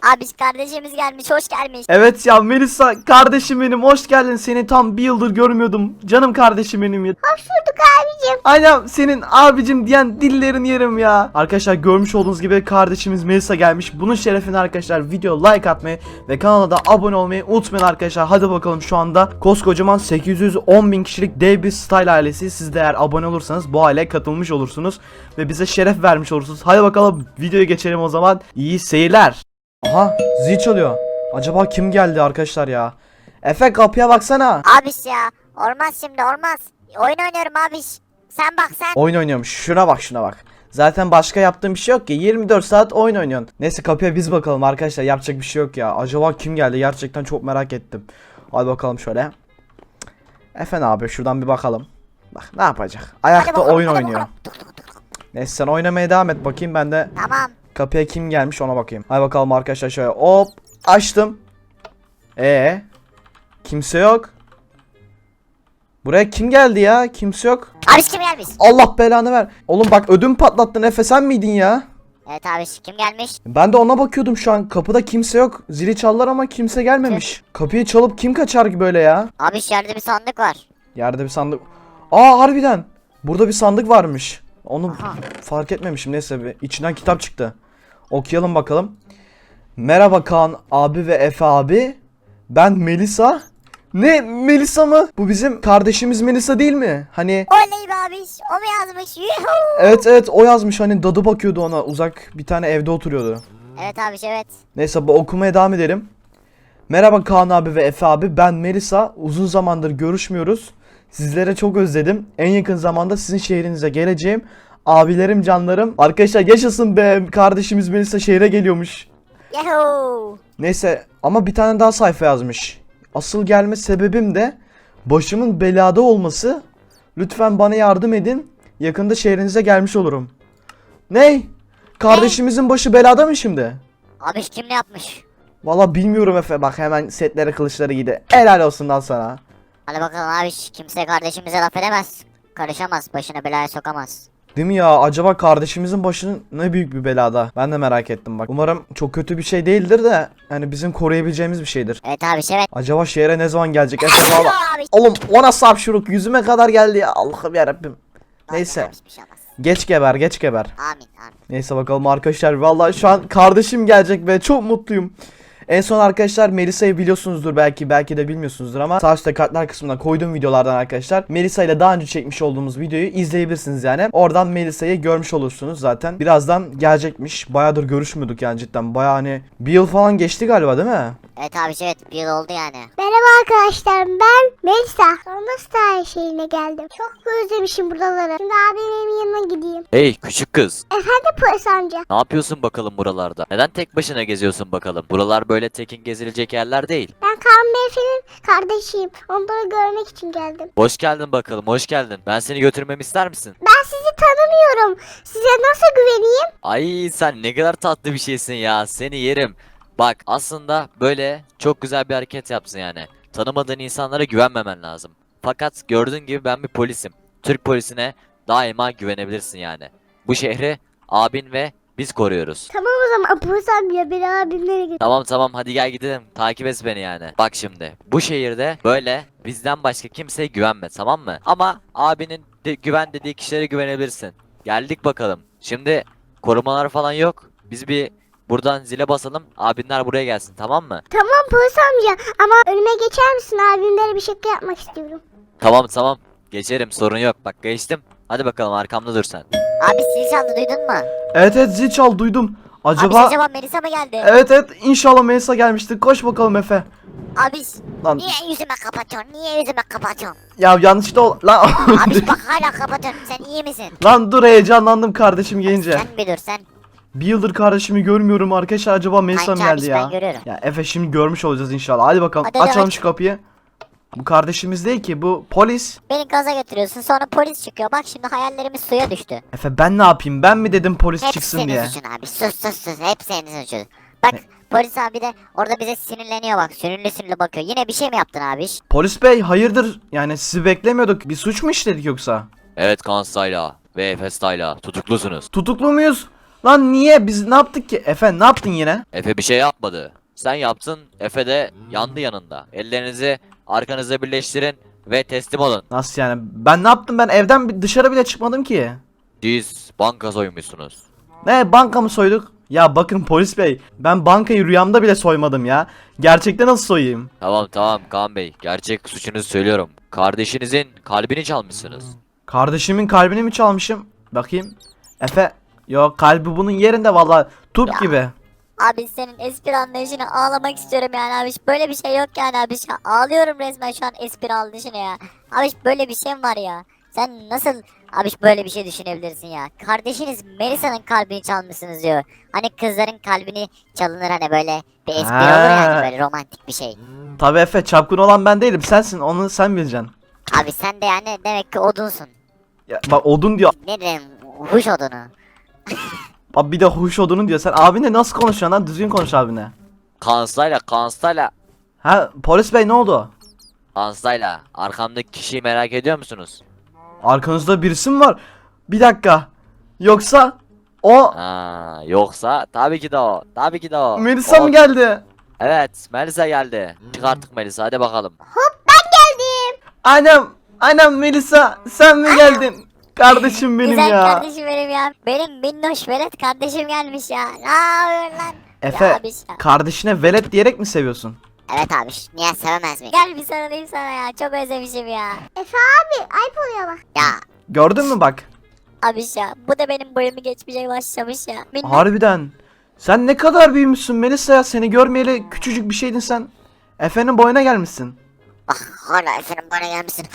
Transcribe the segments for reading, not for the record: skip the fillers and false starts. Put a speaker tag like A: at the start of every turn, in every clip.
A: Abi kardeşimiz gelmiş, hoş gelmiş.
B: Evet ya Melisa kardeşim benim, hoş geldin. Seni tam bir yıldır görmüyordum. Canım kardeşim benim ya.
C: Hoş bulduk abicim.
B: Aynen senin abicim diyen dillerini yerim ya. Arkadaşlar görmüş olduğunuz gibi kardeşimiz Melisa gelmiş. Bunun şerefine arkadaşlar video like atmayı ve kanala da abone olmayı unutmayın arkadaşlar. Hadi bakalım, şu anda koskocaman 810.000 kişilik dev bir Style ailesi. Siz de eğer abone olursanız bu aileye katılmış olursunuz ve bize şeref vermiş olursunuz. Hadi bakalım videoya geçelim o zaman. İyi seyirler. Aha, zil çalıyor. Acaba kim geldi arkadaşlar ya? Efe, kapıya baksana.
A: Abiş ya, olmaz şimdi, olmaz. Oyun oynuyorum abiş. Sen bak sen.
B: Oyun oynuyormuş. Şuna bak, şuna bak. Zaten başka yaptığım bir şey yok ki. 24 saat oyun oynuyorsun. Neyse, kapıya biz bakalım arkadaşlar. Yapacak bir şey yok ya. Acaba kim geldi? Gerçekten çok merak ettim. Hadi bakalım şöyle. Efe abi, şuradan bir bakalım. Bak ne yapacak? Ayakta
A: bakalım,
B: oyun
A: hadi
B: oynuyor.
A: bakalım.
B: Neyse, sen oynamaya devam et bakayım, ben de
A: Tamam.
B: kapıya kim gelmiş ona bakayım. Hadi bakalım arkadaşlar, şöyle hop açtım. Kimse yok. Buraya kim geldi ya? Kimse yok.
A: Abiş kim gelmiş?
B: Allah belanı ver. Oğlum bak, ödüm patlattın Efe, sen miydin ya?
A: Evet abiş, kim gelmiş?
B: Ben de ona bakıyordum şu an. Kapıda kimse yok. Zili çaldılar ama kimse gelmemiş. Kapıyı çalıp kim kaçar ki böyle ya?
A: Abiş yerde bir sandık var.
B: Yerde bir sandık. Aa, harbiden. Burada bir sandık varmış. Onu
A: Aha.
B: fark etmemişim. Neyse, bir içinden kitap çıktı. Okuyalım bakalım. Merhaba Kaan abi ve Efe abi. Ben Melisa. Ne, Melisa mı? Bu bizim kardeşimiz Melisa değil mi? Hani
A: Oley be abiş, o mu yazmış? Yuhuu.
B: evet o yazmış, hani dadı bakıyordu ona, uzak bir tane evde oturuyordu.
A: Evet abiş, evet.
B: Neyse, bu okumaya devam edelim. Merhaba Kaan abi ve Efe abi, ben Melisa. Uzun zamandır görüşmüyoruz. Sizlere çok özledim. En yakın zamanda sizin şehrinize geleceğim. Abilerim, canlarım. Arkadaşlar yaşasın be, kardeşimiz Melisa şehre geliyormuş.
A: Yuhuu.
B: Neyse, ama bir tane daha sayfa yazmış. Asıl gelme sebebim de başımın belada olması. Lütfen bana yardım edin. Yakında şehrinize gelmiş olurum. Ney? Kardeşimizin başı belada mı şimdi?
A: Abiş kim ne yapmış?
B: Valla bilmiyorum Efe, bak hemen setlere kılıçları giydi. Helal olsun lan sana.
A: Hadi bakalım abiş, kimse kardeşimize laf edemez. Karışamaz, başına belaya sokamaz.
B: Değil mi ya? Acaba kardeşimizin başının ne büyük bir belada? Ben de merak ettim bak. Umarım çok kötü bir şey değildir de yani bizim koruyabileceğimiz bir şeydir.
A: Evet abiş, evet.
B: Acaba şehre ne zaman gelecek? Efe valla.
A: Abiş.
B: Oğlum, o nasıl hapşuruk? Yüzüme kadar geldi ya. Allah'ım yarabbim. Neyse.
A: Abiş, bir şey olmaz.
B: Geç geber, geç geber.
A: Amin, amin.
B: Neyse bakalım arkadaşlar. Vallahi şu an kardeşim gelecek ve çok mutluyum. En son arkadaşlar Melisa'yı biliyorsunuzdur, belki de bilmiyorsunuzdur ama sağ üstte kartlar kısmına koyduğum videolardan arkadaşlar Melisa ile daha önce çekmiş olduğumuz videoyu izleyebilirsiniz yani. Oradan Melisa'yı görmüş olursunuz zaten. Birazdan gelecekmiş. Bayağıdır görüşmüyorduk yani, cidden. Bayağı, hani bir yıl falan geçti galiba, değil mi?
A: Evet abiş, evet, bir yıl oldu yani.
C: Merhaba arkadaşlar, ben Melisa. Sonunda Star şehrine geldim. Çok özlemişim buraları. Şimdi abimin yanına gideyim.
D: Hey küçük kız,
C: Efendim polis amca.
D: ne yapıyorsun bakalım buralarda? Neden tek başına geziyorsun bakalım? Buralar böyle tekin gezilecek yerler değil.
C: Ben Kaan Beyefendi'nin kardeşiyim. Onları görmek için geldim.
D: Hoş geldin bakalım, hoş geldin. Ben seni götürmemi ister misin?
C: Ben sizi tanımıyorum. Size nasıl güveneyim?
D: Ay sen ne kadar tatlı bir şeysin ya, seni yerim. Bak aslında böyle çok güzel bir hareket yapsın yani. Tanımadığın insanlara güvenmemen lazım. Fakat gördüğün gibi ben bir polisim. Türk polisine daima güvenebilirsin yani. Bu şehri abin ve biz koruyoruz.
C: Tamam o zaman polis amca, beni abimlere götür.
D: Tamam hadi gel gidelim. Takip et beni yani. Bak şimdi bu şehirde böyle bizden başka kimseye güvenme, tamam mı? Ama abinin güven dediği kişilere güvenebilirsin. Geldik bakalım. Şimdi korumalar falan yok. Biz bir buradan zile basalım. Abinler buraya gelsin, tamam mı?
C: Tamam polis amca ama önüme geçer misin? Abimlere bir şaka yapmak istiyorum.
D: Tamam. Geçerim, sorun yok. Bak geçtim. Hadi bakalım arkamda dur sen.
A: Abi zil çaldı, duydun mu?
B: Evet zil çal, duydum.
A: Abiş,
B: Acaba
A: acaba Melisa mı geldi?
B: evet inşallah Melisa gelmiştir. Koş bakalım Efe.
A: Abiş,
B: Lan
A: niye yüzüme kapatıyorsun? Niye yüzüme kapatıyorsun?
B: ya, yanlışlıkla lan.
A: Abiş bak, hala kapatıyorsun. Sen iyi misin?
B: Lan dur, heyecanlandım kardeşim gelince.
A: Sen bir dur sen.
B: Bir yıldır kardeşimi görmüyorum arkadaşlar, acaba Melisa mı
A: Kanka
B: geldi
A: abiş,
B: ya?
A: ben görüyorum.
B: Ya Efe, şimdi görmüş olacağız inşallah. Hadi bakalım,
A: Hadi
B: açalım
A: aç.
B: şu kapıyı. Bu kardeşimiz değil ki, bu polis.
A: Beni gaza götürüyorsun, sonra polis çıkıyor. Bak şimdi hayallerimiz suya düştü.
B: Efe, ben ne yapayım? Ben mi dedim polis
A: Hep
B: çıksın
A: senin
B: diye?
A: suçun abi. Sus. Hep senin suçun. Bak polis abi de orada bize sinirleniyor bak. Sinirli bakıyor. Yine bir şey mi yaptın abiş?
B: Polis bey, hayırdır? Yani sizi beklemiyorduk. Bir suç mu işledik yoksa?
D: Evet Kaan Style'a ve Efe Style'a tutuklusunuz.
B: Tutuklu muyuz? Lan niye? Biz ne yaptık ki? Efe ne yaptın yine?
D: Efe bir şey yapmadı. Sen yaptın, Efe de yandı yanında. Ellerinizi arkanıza birleştirin ve teslim olun.
B: Nasıl yani? Ben ne yaptım? Ben evden dışarı bile çıkmadım ki.
D: Siz banka soymuşsunuz.
B: Ne, banka mı soyduk? Ya bakın polis bey, ben bankayı rüyamda bile soymadım ya. Gerçekten nasıl soyayım?
D: Tamam Kaan Bey, gerçek suçunuzu söylüyorum. Kardeşinizin kalbini çalmışsınız.
B: Kardeşimin kalbini mi çalmışım? Bakayım. Efe, yok, kalbi bunun yerinde vallahi, turp
A: Ya.
B: gibi.
A: Abi senin espri anlayışını ağlamak istiyorum yani abi. Böyle bir şey yok yani abi. Ağlıyorum resmen şu an espri anlayışını ya. Abi böyle bir şey mi var ya? Sen nasıl abi böyle bir şey düşünebilirsin ya? Kardeşiniz Melisa'nın kalbini çalmışsınız diyor. Hani kızların kalbini çalınır hani böyle bir espri olur yani böyle romantik bir şey.
B: Tabii Efe, çapkın olan ben değilim, sensin, onu sen bileceksin.
A: Abi sen de yani demek ki odunsun.
B: Ya, bak odun diyor.
A: Ne diyeyim huş odunu.
B: Bak bir de huş odunun diyor. Sen abinle nasıl konuşuyorsun lan? Düzgün konuş abine.
D: Kansayla.
B: Ha, polis bey ne oldu?
D: Kansayla. Arkamdaki kişiyi merak ediyor musunuz?
B: Arkanızda birisi mi var? Bir dakika. Yoksa o
D: Yoksa tabii ki de o. Tabii ki de o.
B: Melisa
D: O-
B: mı geldi?
D: Evet, Melisa geldi. Çık artık Melisa, hadi bakalım.
B: Annem Melisa, sen mi geldin? Kardeşim benim
A: Güzel
B: ya.
A: kardeşim benim ya. Benim minnoş velet kardeşim gelmiş ya. Ne yapıyorsun lan?
B: Efe,
A: Ya abi ya.
B: kardeşine velet diyerek mi seviyorsun?
A: Evet abi niye sevemez mi? Gel bir sarılayım sana ya. Çok özlemişim ya.
C: Efe abi ayıp oluyor bak.
A: Ya
B: Gördün mü bak?
A: abi ya. Bu da benim boyumu geçmeye başlamış ya. Minnoş.
B: Harbiden. Sen ne kadar büyümüşsün Melisa ya. Seni görmeyeli küçücük bir şeydin sen. Efe'nin boyuna gelmişsin.
A: Bak hala efendim bana gelmişsin.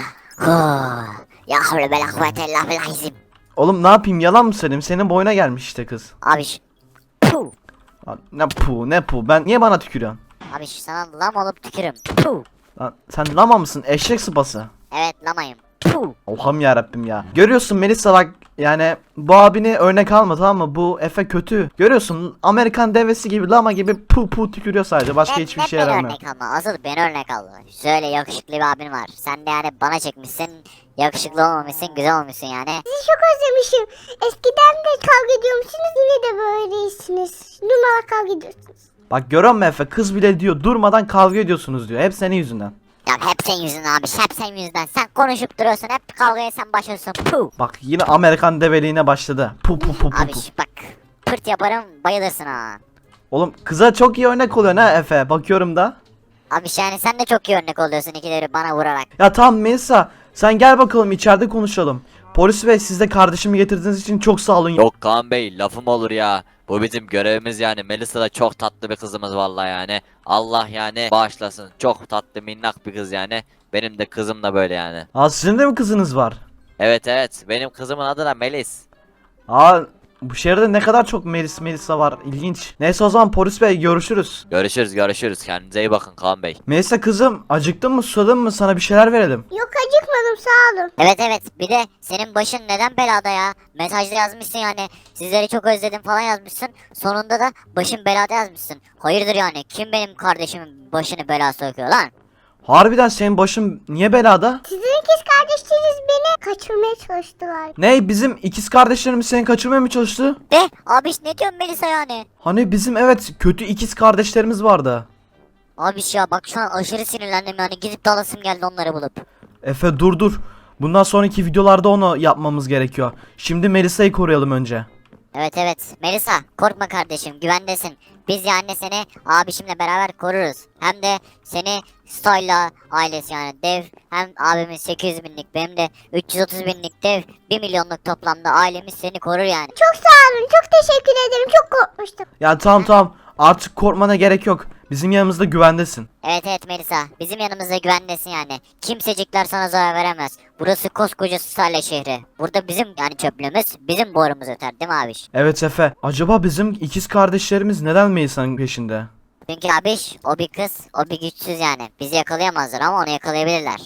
A: Ya havle bela kuvvete illa billahizim.
B: Oğlum ne yapayım, yalan mı söyleyeyim? Senin boyuna gelmiş işte kız.
A: Abi puh.
B: Lan ne pu, ben niye bana tükürüyorsun?
A: Abi sana lam olup tükürüm. Puh.
B: Lan sen lama mısın, eşek sıpası?
A: Evet lamayım. Puh.
B: Allah'ım yarabbim ya. Görüyorsun Melisa bak, yani bu abini örnek alma, tamam mı? Bu Efe kötü. Görüyorsun Amerikan devesi gibi, lama gibi pu tükürüyor sadece, başka hiçbir şey
A: beni
B: yaramıyor.
A: örnek alma. Asıl beni örnek al. Şöyle yakışıklı bir abin var. Sen de yani bana çekmişsin. Yakışıklı olmamışsın, güzel olmuşsun yani.
C: Sizi çok özlemişim. Eskiden de kavga ediyormuşsunuz yine de böyleysiniz. Numara kavga ediyorsunuz.
B: Bak görüyor musun Efe, kız bile diyor durmadan kavga ediyorsunuz diyor, hep senin yüzünden.
A: Ya hep senin yüzünden abi, hep senin yüzünden. Sen konuşup duruyorsun, hep kavgaya sen başlıyorsun. Puh.
B: Bak yine Amerikan develiğine başladı. Pu.
A: Abi bak, pırt yaparım bayılırsın ha.
B: Oğlum kıza çok iyi örnek oluyor ha Efe, bakıyorum da.
A: Abi yani sen de çok iyi örnek oluyorsun ikileri bana vurarak.
B: Ya tamam Melisa, sen gel bakalım içeride konuşalım. Polis bey, siz de kardeşimi getirdiğiniz için çok sağ olun.
D: Yok Kaan Bey, lafım olur ya. Bu bizim görevimiz yani. Melisa da çok tatlı bir kızımız vallahi yani. Allah yani bağışlasın. Çok tatlı minnak bir kız yani. Benim de kızım da böyle yani.
B: Aa, sizin de mi kızınız var?
D: Evet, benim kızımın adı da Melis.
B: Aa, bu şehirde ne kadar çok Melisa var, ilginç. Neyse o zaman polis bey, görüşürüz.
D: Görüşürüz. Kendinize iyi bakın Kaan Bey.
B: Melisa kızım, acıktın mı, susadın mı, sana bir şeyler verelim.
C: Yok acıkmadım sağ olun.
A: Evet bir de senin başın neden belada ya? Mesajda yazmışsın yani sizleri çok özledim falan yazmışsın. Sonunda da başın belada yazmışsın. Hayırdır yani, kim benim kardeşimin başını belaya sokuyor lan?
B: Harbiden senin başın niye belada?
C: Sizin ikiz kardeşleriniz beni kaçırmaya çalıştılar.
B: Ne, bizim ikiz kardeşlerimiz seni kaçırmaya mı çalıştı?
A: De abi ne diyorsun Melisa yani?
B: Hani bizim evet kötü ikiz kardeşlerimiz vardı.
A: Abi ya bak şu an aşırı sinirlendim yani, gidip dalasım geldi onları bulup.
B: Efe dur. Bundan sonraki videolarda onu yapmamız gerekiyor. Şimdi Melisa'yı koruyalım önce.
A: Evet Melisa korkma kardeşim, güvendesin. Biz yani seni abişimle beraber koruruz. Hem de seni Stoyla ailesi yani dev, hem abimin 800 binlik benim de 330 binlik dev 1 milyonluk toplamda ailemiz seni korur yani.
C: Çok sağ olun çok teşekkür ederim çok korkmuştum.
B: Ya tamam, artık korkmana gerek yok. Bizim yanımızda güvendesin.
A: Evet Melisa, bizim yanımızda güvendesin yani. Kimsecikler sana zarar veremez. Burası koskoca Stalya şehri. Burada bizim yani çöplüğümüz, bizim borumuz öter değil mi abiş?
B: Evet Efe, acaba bizim ikiz kardeşlerimiz neden Melisa'nın peşinde?
A: Çünkü abiş o bir kız, o bir güçsüz yani. Bizi yakalayamazlar ama onu yakalayabilirler.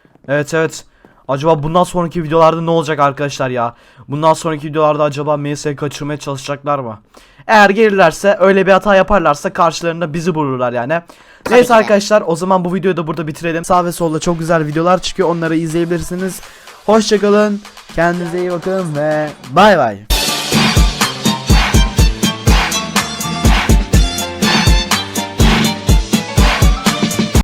B: Evet. Acaba bundan sonraki videolarda ne olacak arkadaşlar ya? Bundan sonraki videolarda acaba Melisa'yı kaçırmaya çalışacaklar mı? Eğer gelirlerse, öyle bir hata yaparlarsa karşılarında bizi bulurlar yani. Neyse
A: ki de.
B: arkadaşlar, o zaman bu videoyu da burada bitirelim. Sağ ve solda çok güzel videolar çıkıyor, onları izleyebilirsiniz. Hoşçakalın, kendinize iyi bakın ve bay bay.